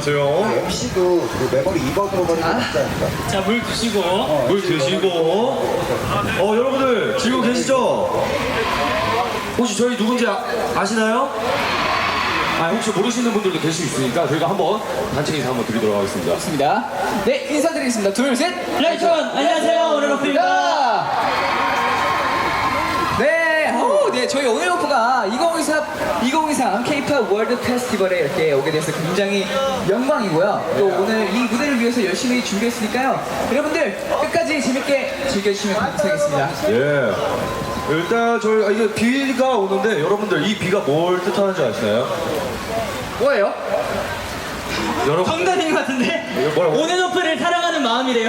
안녕하세요. MC도 그 메모리 2번으로 버리는 거 없지 않을까? 자, 물 드시고. 물 드시고. 여러분들 지금 계시죠? 혹시 저희 누군지 아시나요? 혹시 모르시는 분들도 계실 수 있으니까 저희가 한번 단체 인사 한번 드리도록 하겠습니다. 좋습니다. 네, 인사드리겠습니다. 둘, 셋. 라이톤 안녕하세요. 오늘 오프입니다. 네, 저희 오늘 오프가 2023 K-pop 월드 페스티벌에 이렇게 오게 돼서 굉장히 영광이고요. 또 오늘 이 무대를 위해서 열심히 준비했으니까요. 여러분들 끝까지 재밌게 즐겨주시면 감사하겠습니다. 예. 일단 저희 이게 비가 오는데 여러분들 이 비가 뭘 뜻하는지 아시나요? 뭐예요? 여러분 정답인 것 같은데? 뭐라고? 오늘 오프를 사랑하는 마음이래요.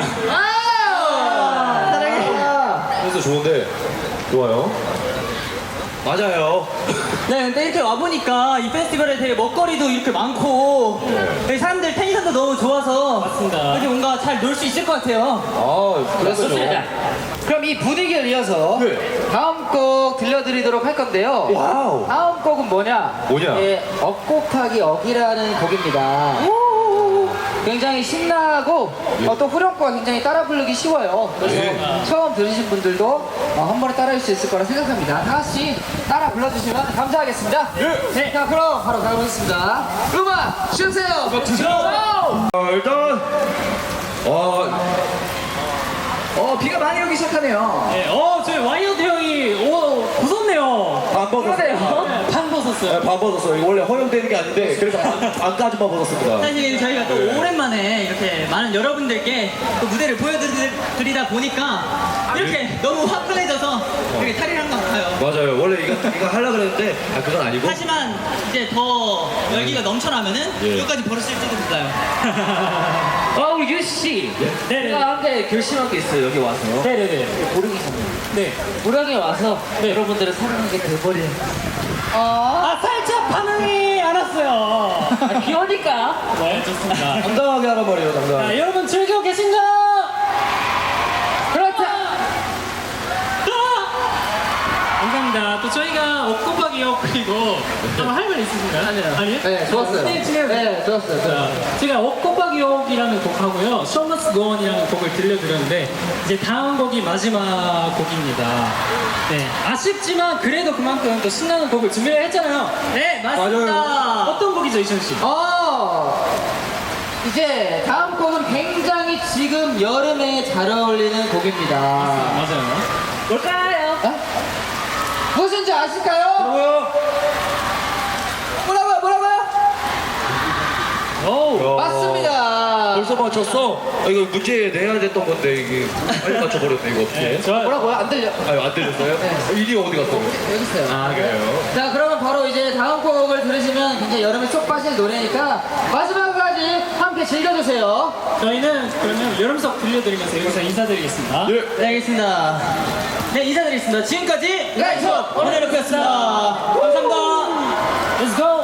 사랑해. 그래서 좋은데 좋아요. 맞아요. 네, 근데 이렇게 와보니까 이 페스티벌에 되게 먹거리도 이렇게 많고 여기 사람들 텐션도 너무 좋아서 맞습니다. 이렇게 뭔가 잘 놀 수 있을 것 같아요. 그래서 그럼 이 분위기를 이어서 네. 다음 곡 들려드리도록 할 건데요. 와우. 다음 곡은 뭐냐? 뭐냐? 예, 억 곱하기 억이라는 곡입니다. 굉장히 신나고 또 후렴구가 굉장히 따라 부르기 쉬워요. 그래서 네. 처음 들으신 분들도 한 번에 따라할 수 있을 거라 생각합니다. 다 같이 따라 불러주시면 감사하겠습니다. 네, 자 그럼 바로 가보겠습니다. 음악 주세요. 일단 비가 많이 오기 시작하네요. 네, 저희 와이어드 형이 벗었네요. 반 벗었어요. 반 벗었어요. 반 벗었어요. 이거 원래 허용되는 게 아닌데 그래서 반까지만 벗었습니다. 사실 저희가 또 오랜만에 이렇게 많은 여러분들께 또 무대를 보여드리다 보니까 이렇게 너무 화끈해져서 이렇게 탈의를 한 것 같아요. 맞아요. 원래 이거 하려고 그랬는데 그건 아니고. 하지만 이제 더 열기가 넘쳐나면은 예. 이거까지 벌어질지도 몰라요. 우리 유씨. 네네. 제가 한개 결심한 게 있어요. 여기 와서. 네네네. 보령이 선물. 네. 보령에 와서 여러분들을 사랑하게 돼버린. 살짝 반응이 안 왔어요. 귀여우니까. 네, 좋습니다. 당당하게 하란 말이에요. 당당하게. 자, 여러분 즐기고 계신가요? 그렇다. 감사합니다. 또 저희가 억 곱하기 억 그리고 할 말 있으신가요? 아니요. 네, 좋았어요. 네, 좋았어요. 자, 제가 억 곱하기 억이라는 곡하고요, Show Must Go On이라는 곡을 들려드렸는데 이제 다음 곡이 마지막 곡입니다. 네, 아쉽지만 그래도 그만큼 또 신나는 곡을 준비를 했잖아요. 네, 맞습니다. 맞아요. 어떤 곡이죠, 이천 씨? 이제 다음 곡은 굉장히 지금 여름에 잘 어울리는 곡입니다. 맞아요. 뭘까요? 무엇인지 아실까요? 뭐요? 뭐라고요? 오, 맞습니다. 벌써 맞췄어? 이거 문제 내야 됐던 건데 이게 빨리 맞춰버렸네 이거 어떻게? 좋아요. 뭐라고요? 안 들려. 안 들렸어요? 일이 어디 갔어요? 여기 있어요. 그래요? 자, 그러면 바로 이제 다음 곡을 들으시면 굉장히 여름에 쏙 빠질 노래니까 마지막까지 함께 즐겨주세요. 저희는 그러면 여름석 들려드리면서 여기서 인사드리겠습니다. 네. 네, 알겠습니다. 네, 인사드리겠습니다. 지금까지 라이트 오늘의 오프였습니다. 감사합니다. Let's go!